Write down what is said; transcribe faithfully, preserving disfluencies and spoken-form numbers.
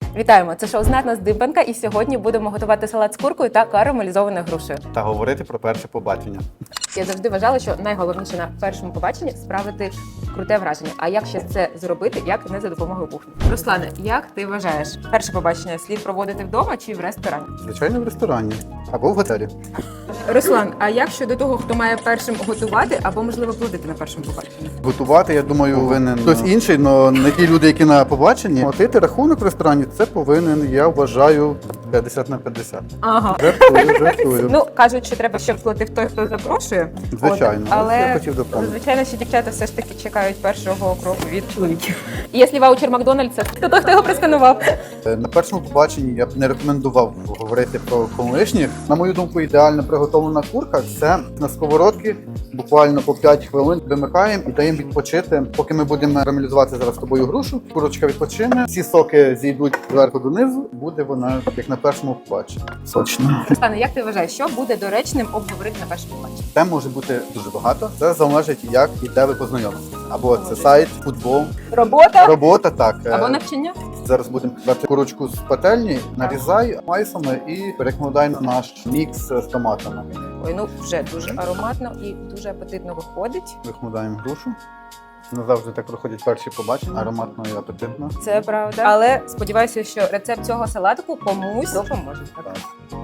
Вітаємо! Це шоу «Знатна здибанка» і сьогодні будемо готувати салат з куркою та карамелізованою грушею. Та говорити про перше побачення. Я завжди вважала, що найголовніше на першому побаченні – справити круте враження. А як ще це зробити, як не за допомогою кухні? Руслане, як ти вважаєш, перше побачення слід проводити вдома чи в ресторані? Звичайно, в ресторані або в готелі. Руслан, а як щодо того, хто має першим готувати або, можливо, плодити на першому побаченні? Готувати, я думаю, повинен хтось інший, але не ті люди, які на побаченні. Платити рахунок в ресторані – це повинен, я вважаю, п'ятдесят на п'ятдесят. Ага. Жартую, жартую. Ну, кажуть, що треба, щоб платив той, хто запрошує. Звичайно, От, але я хотів допомогти. звичайно, що дівчата все ж таки чекають першого кроку від чоловіків. І якщо ваучер Макдональдса, то той, хто його просканував. На першому побаченні я б не рекомендував говорити про колишніх. На мою думку, ідеально приготовлена курка – це на сковородці буквально по п'ять хвилин вимикаємо і даємо відпочити. Поки ми будемо карамелізувати зараз з тобою грушу, курочка відпочине, всі соки зійдуть зверху донизу, буде вона як на першому побаченні. Сочно. Руслане, як ти вважаєш, що буде доречним обговорити на першому побаченні? Тем може бути дуже багато. Це залежить, як і де ви познайомилися. Або це сайт, футбол, Робота робота, так. або навчання? Зараз будемо брати курочку з пательні, нарізай майсами і перекладай на наш мікс з томатами. Ой, ну вже дуже ароматно і дуже апетитно виходить. Викладаємо грушу. Не завжди так проходять перші побачення, ароматно і апетитно. Це правда. Але сподіваюся, що рецепт цього салатику комусь допоможе. Так.